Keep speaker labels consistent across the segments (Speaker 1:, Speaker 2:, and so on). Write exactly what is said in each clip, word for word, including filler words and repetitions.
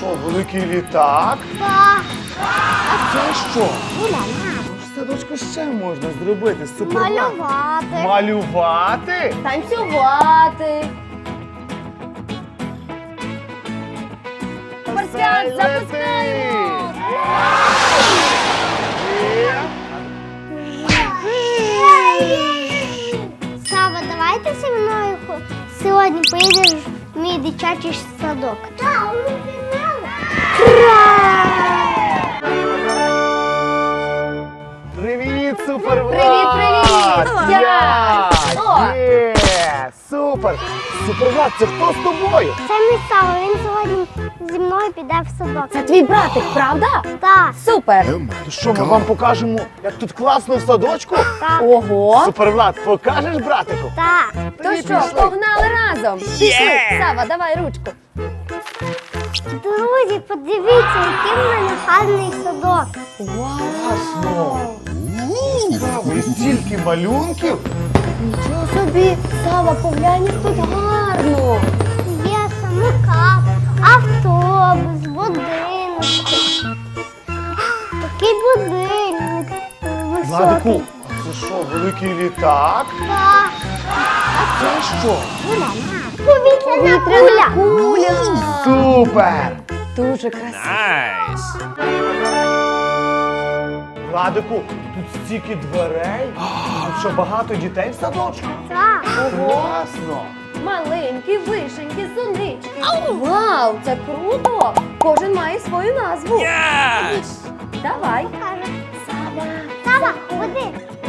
Speaker 1: що, великий літак?
Speaker 2: Так.
Speaker 1: А це що?
Speaker 2: Гуляна.
Speaker 1: В садочку ще можна зробити супермаркет.
Speaker 2: Малювати.
Speaker 1: Малювати?
Speaker 3: Танцювати. Суперсвят, запускаємо!
Speaker 2: Сава, давайте зі мною хо- сьогодні поїдеш в мій дитячий садок. Так, ми пігнали.
Speaker 1: Привіт, супервлад!
Speaker 3: Привіт, привіт!
Speaker 1: Я!
Speaker 3: О!
Speaker 1: Є! Супер! Супервлад, це хто з тобою?
Speaker 2: Це мій Сава, він сьогодні зі мною піде в садок.
Speaker 3: Це твій братик, правда?
Speaker 2: Так,
Speaker 3: Супер!
Speaker 1: То що, ми вам покажемо, як тут класно в садочку?
Speaker 2: так,
Speaker 3: Ого!
Speaker 1: Супервлад, покажеш братику?
Speaker 2: так.
Speaker 3: То
Speaker 1: Тоді
Speaker 3: що,
Speaker 1: пішли.
Speaker 3: погнали разом? Пішли! Сава, давай ручку.
Speaker 2: Друзі, подивіться, який в мене гарний садок.
Speaker 1: Класно! Цікаво, і стільки малюнків.
Speaker 3: Нічого собі! Сава, поглянь, як тут гарно!
Speaker 2: Є самокат, автобус, будинок. Такий будинок високий.
Speaker 1: Владику, а це що, великий літак?
Speaker 2: Так.
Speaker 1: А це що?
Speaker 2: Повітряна куля.
Speaker 3: Куля!
Speaker 1: Супер!
Speaker 3: Дуже красиво!
Speaker 1: Владику, тут стільки дверей. А що, багато дітей в садочку?
Speaker 2: Так.
Speaker 1: Класно!
Speaker 3: Маленькі, вишенькі, сонечки. Вау, це круто! Кожен має свою назву. Давай.
Speaker 2: Каже,
Speaker 3: Сава.
Speaker 2: Сава, ходи.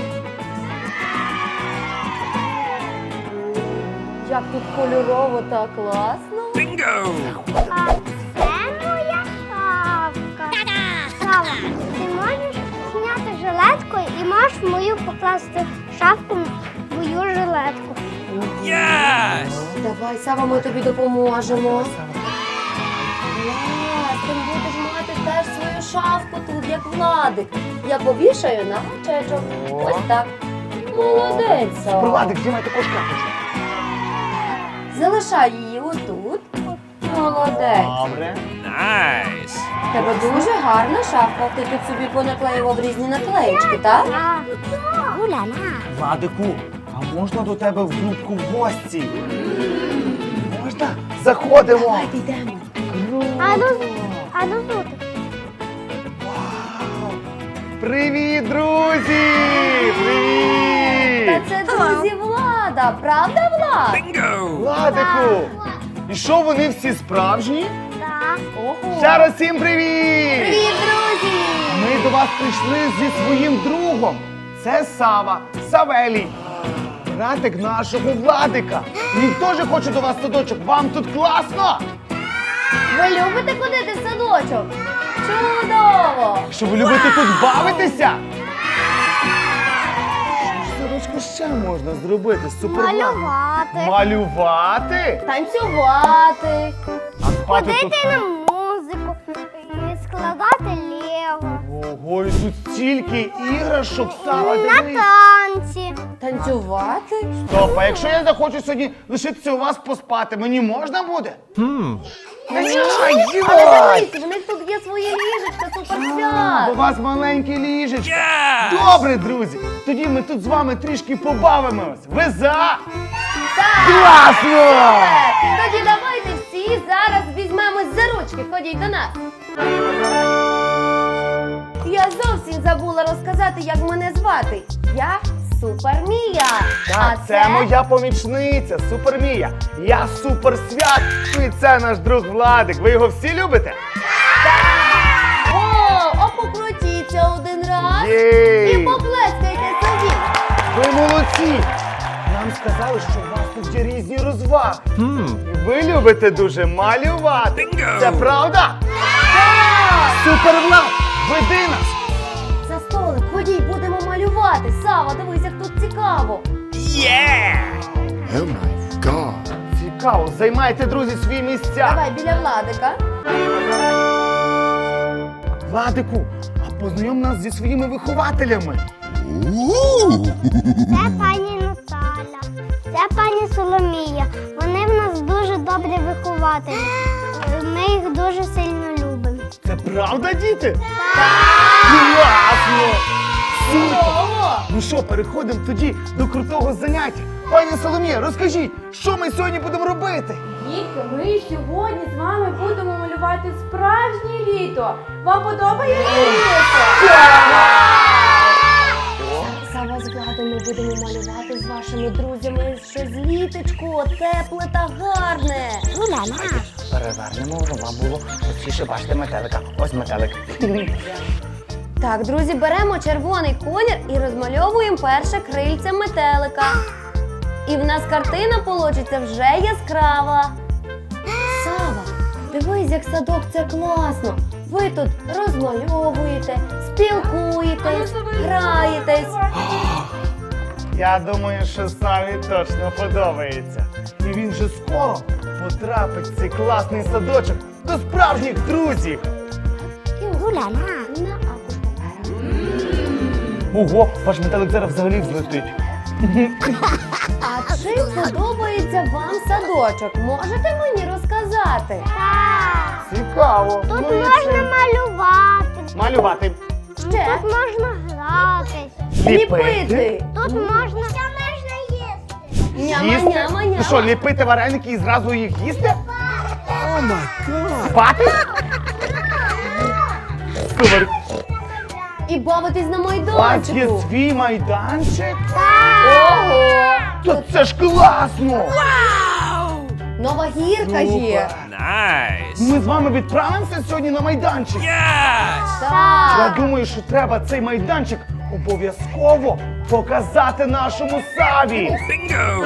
Speaker 3: Як тут кольорово та класно.
Speaker 2: А це моя шапка. Сава, ти можеш зняти жилетку і можеш в мою покласти шапку в мою жилетку.
Speaker 3: Давай, Сава, ми тобі допоможемо. Клас, ти будеш мати теж свою шафку тут, як Владик. Я повішаю на гачечок.
Speaker 1: О.
Speaker 3: Ось так. Молодець, Сава.
Speaker 1: Владик, знімай також карточку.
Speaker 3: Залишай її отут. Молодець.
Speaker 1: Добре.
Speaker 3: В Тебе дуже гарна шафка. Ти тут собі понаклеював різні наклеїчки, так?
Speaker 2: Так. Гуляна.
Speaker 1: Владику, а можна до тебе в групку в гості? Можна? Заходимо.
Speaker 3: Давайте йдемо.
Speaker 2: А ну, а ну тут.
Speaker 1: Вау! Привіт, друзі!
Speaker 3: Та
Speaker 1: Привіт!
Speaker 3: це друзі Влада, правда, Влад?
Speaker 1: Владику! І що, вони всі справжні?
Speaker 2: Так.
Speaker 3: Ого.
Speaker 1: Ще раз всім привіт!
Speaker 3: Привіт, друзі!
Speaker 1: Ми до вас прийшли зі своїм другом. Це Сава, Савелій, братик нашого Владика. Він теж хоче до вас в садочок. Вам тут класно?
Speaker 3: Ви любите ходити в садочок? Чудово!
Speaker 1: Що ви любите тут бавитися? Що в садочку ще можна зробити? Супермен.
Speaker 2: Малювати.
Speaker 1: Малювати?
Speaker 3: Танцювати.
Speaker 1: А спати тут...
Speaker 2: Ходити на музику. І складати лего.
Speaker 1: Ого, і тут стільки іграшок, Сава,
Speaker 2: На
Speaker 1: дивись.
Speaker 2: танці.
Speaker 3: Танцювати?
Speaker 1: Стоп, а якщо я захочу сьогодні лишитися у вас поспати, мені можна буде? Хм.
Speaker 3: Але дивись, в них тут є своє ліжечко,
Speaker 1: У
Speaker 3: суперсвят.
Speaker 1: вас маленьке ліжечко. Добре, друзі. Тоді ми тут з вами трішки побавимось. Ви за? Класно!
Speaker 3: Тоді давайте всі зараз візьмемось за ручки. Ходіть до нас. Я зовсім забула розказати, як мене звати. Я Супермія.
Speaker 1: Так, це моя помічниця, Супермія. Я Суперсвят. І це наш друг Владик. Ви його всі любите?
Speaker 3: О, а покрутіться один раз. І
Speaker 1: Єй!
Speaker 3: поплескайте собі.
Speaker 1: Ви молодці! Нам сказали, що у вас тут є різні розваги. І ви любите дуже малювати. Це правда? Супервлад, веди нас!
Speaker 3: За столик, ходіть, будемо малювати. Сава, дивись, як тут цікаво.
Speaker 4: Oh my god.
Speaker 1: Цікаво, займайте, друзі, свої місця.
Speaker 3: Давай біля Владика.
Speaker 1: Владику, а познайом нас зі своїми вихователями.
Speaker 4: Ooh.
Speaker 2: Це пані Наталя. Це пані Соломія. Вони в нас дуже добрі вихователі. Ми їх дуже сильно любимо.
Speaker 1: Це правда, діти? Класно! Супер! Ну що, переходимо тоді до крутого заняття. Пані Соломія, розкажіть, що ми сьогодні будемо робити?
Speaker 3: Дітки, ми сьогодні з вами будемо малювати справжнє літо. Вам подобається літо? Сава з Владом ми будемо малювати з вашими друзями щось літочко, тепле та гарне.
Speaker 1: Перевернемо, щоб вам було простіше бачити метелика. Ось метелик.
Speaker 3: Так, друзі, беремо червоний колір і розмальовуємо перше крильце метелика. І в нас картина получиться вже яскрава. Сава, дивись, як садок, це класно. Ви тут розмальовуєте, спілкуєтесь, граєтесь.
Speaker 1: Я думаю, що Саві точно подобається. І він вже скоро потрапить в цей класний садочок до справжніх друзів.
Speaker 2: Гуляна.
Speaker 3: На аркуш паперу.
Speaker 1: Ого, ваш метелик зараз взагалі взлетить.
Speaker 3: А чи подобається вам садочок? Можете мені розказати?
Speaker 2: Так.
Speaker 1: Цікаво.
Speaker 2: Тут
Speaker 1: Ну, і
Speaker 2: можна
Speaker 1: це.
Speaker 2: малювати.
Speaker 1: Малювати.
Speaker 3: Ще?
Speaker 2: Тут можна гратись.
Speaker 3: Ліпити.
Speaker 2: Тут можна. Що можна їсти?
Speaker 3: Няма,
Speaker 1: Їсти?
Speaker 3: няма,
Speaker 1: Ну що,
Speaker 3: няма.
Speaker 1: ліпити вареники і зразу їх їсти?
Speaker 4: Oh my god.
Speaker 1: Спати? Супер.
Speaker 3: І бавитись на
Speaker 1: У вас є
Speaker 3: майданчику.
Speaker 1: свій майданчик?
Speaker 3: Ого!
Speaker 1: То це ж класно!
Speaker 3: Нова гірка є.
Speaker 5: Nice.
Speaker 1: Ми з вами відправимося сьогодні на майданчик.
Speaker 5: Yes.
Speaker 1: Я
Speaker 3: Так.
Speaker 1: думаю, що треба цей майданчик обов'язково показати нашому Саві.
Speaker 5: Bingo.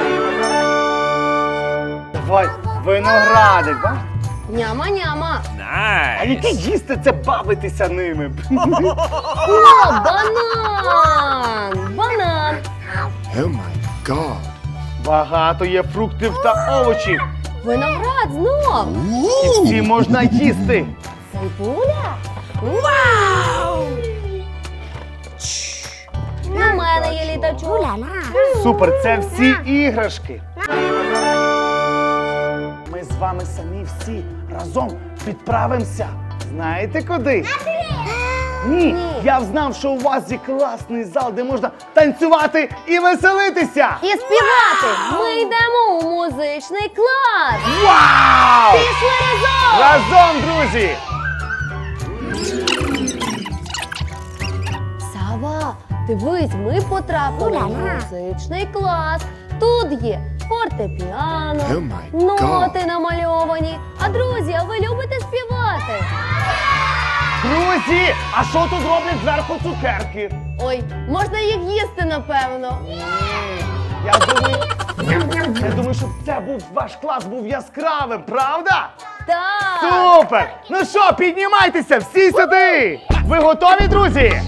Speaker 1: Давай, виноградик, бачиш?
Speaker 3: Няма, няма.
Speaker 1: А яке
Speaker 5: Nice.
Speaker 1: їсти це бавитися ними?
Speaker 3: О, банан! Банан!
Speaker 4: Oh my god.
Speaker 1: Багато є фруктів та овочів.
Speaker 3: Виноград знов!
Speaker 1: І всі можна їсти.
Speaker 3: Цибуля? Вау! У мене є літачок.
Speaker 1: Супер, це всі іграшки. Ми з вами самі всі разом відправимося. Знаєте куди? Ні, я знав, що у вас є класний зал, де можна танцювати і веселитися.
Speaker 3: І співати! Ми йдемо у музичний клас!
Speaker 1: Вау!
Speaker 3: Пішли разом!
Speaker 1: Разом, друзі!
Speaker 3: Сава, дивись, ми потрапили в музичний клас. Тут є фортепіано,
Speaker 4: Oh my
Speaker 3: ноти
Speaker 4: God.
Speaker 3: намальовані. А друзі, а ви любите співати?
Speaker 1: Друзі, а що тут роблять зверху цукерки?
Speaker 3: Ой, можна їх їсти, напевно.
Speaker 1: Я думаю, я думаю, щоб це був ваш клас був яскравим, правда?
Speaker 3: Так!
Speaker 1: Супер! Ну що, піднімайтеся, всі сюди! Ви готові, друзі?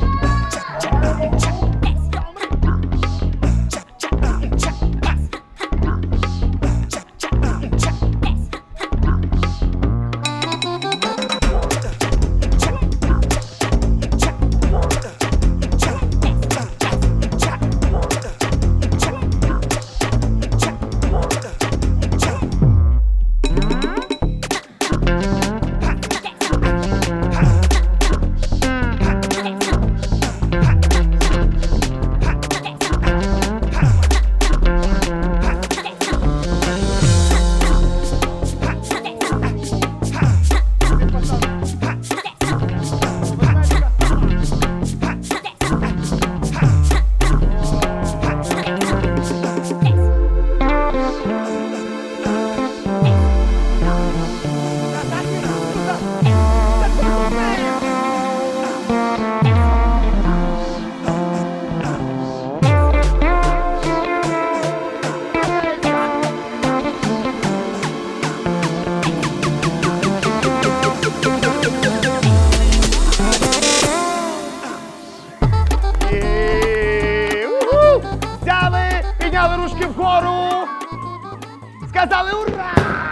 Speaker 1: І... Уху! Взяли, підняли ручки вгору. Сказали ура!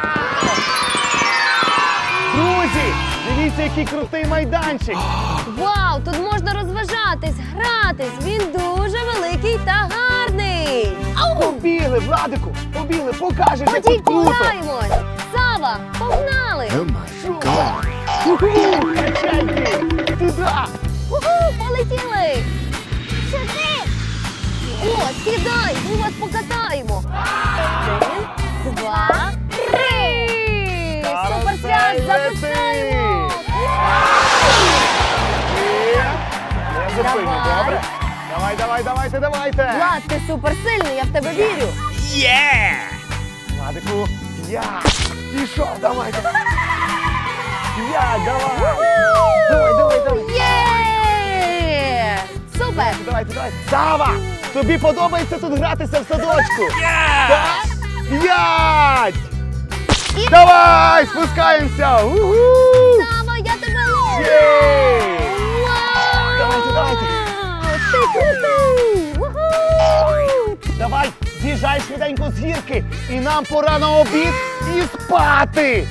Speaker 1: Друзі, дивіться, який крутий майданчик.
Speaker 3: Вау, тут можна розважатись, гратись. Він дуже великий та гарний.
Speaker 1: Побігли, Владику, побігли, покажеш, як
Speaker 3: Ходіть,
Speaker 1: тут круто.
Speaker 3: пограємось.
Speaker 5: Сава, погнали!
Speaker 4: Oh my God.
Speaker 1: Уху, качайки! Туда!
Speaker 5: Уху, полетіли!
Speaker 2: Сюди!
Speaker 5: О, сідай, ми вас покатаємо! Один, два, три! Суперстряс, запускаємо!
Speaker 1: Не зупиню,
Speaker 5: Давай.
Speaker 1: добре? Давай, давай, давайте, давайте!
Speaker 5: Влад, ти суперсильний, я в тебе вірю!
Speaker 1: Владику, п'ять! Пішов, давай, давай! П'ять, давай! Давай, давай, давай!
Speaker 5: Є! Супер!
Speaker 1: Давайте, давайте! Сава! Тобі подобається тут гратися в садочку? Так? П'ять!
Speaker 5: І-
Speaker 1: Давай, спускаємося! Уху!
Speaker 5: Сава, я тебе ловлю!
Speaker 1: Єй!
Speaker 5: Вау!
Speaker 1: Давайте, давайте!
Speaker 5: Ти крутий! Уху!
Speaker 1: Давай, з'їжджай швиденько з гірки, і нам пора на обід і спати!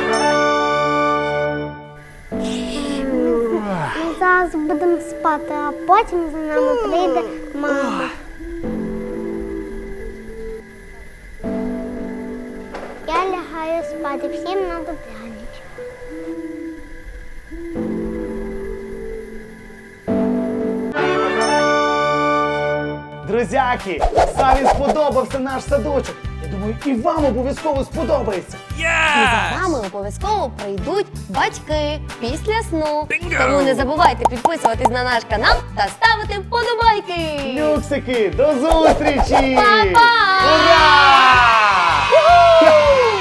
Speaker 2: Ми зараз будемо спати, а потім за нами прийде мама. Я лягаю спати, всім на добраніч.
Speaker 1: Друзяки, Саві сподобався наш садочок. Я думаю, і вам обов'язково сподобається.
Speaker 5: І за вами обов'язково прийдуть батьки після сну. Тому не забувайте підписуватись на наш канал та ставити вподобайки.
Speaker 1: Люксики, до зустрічі!
Speaker 5: Па-па!
Speaker 1: Ура!
Speaker 5: Уху!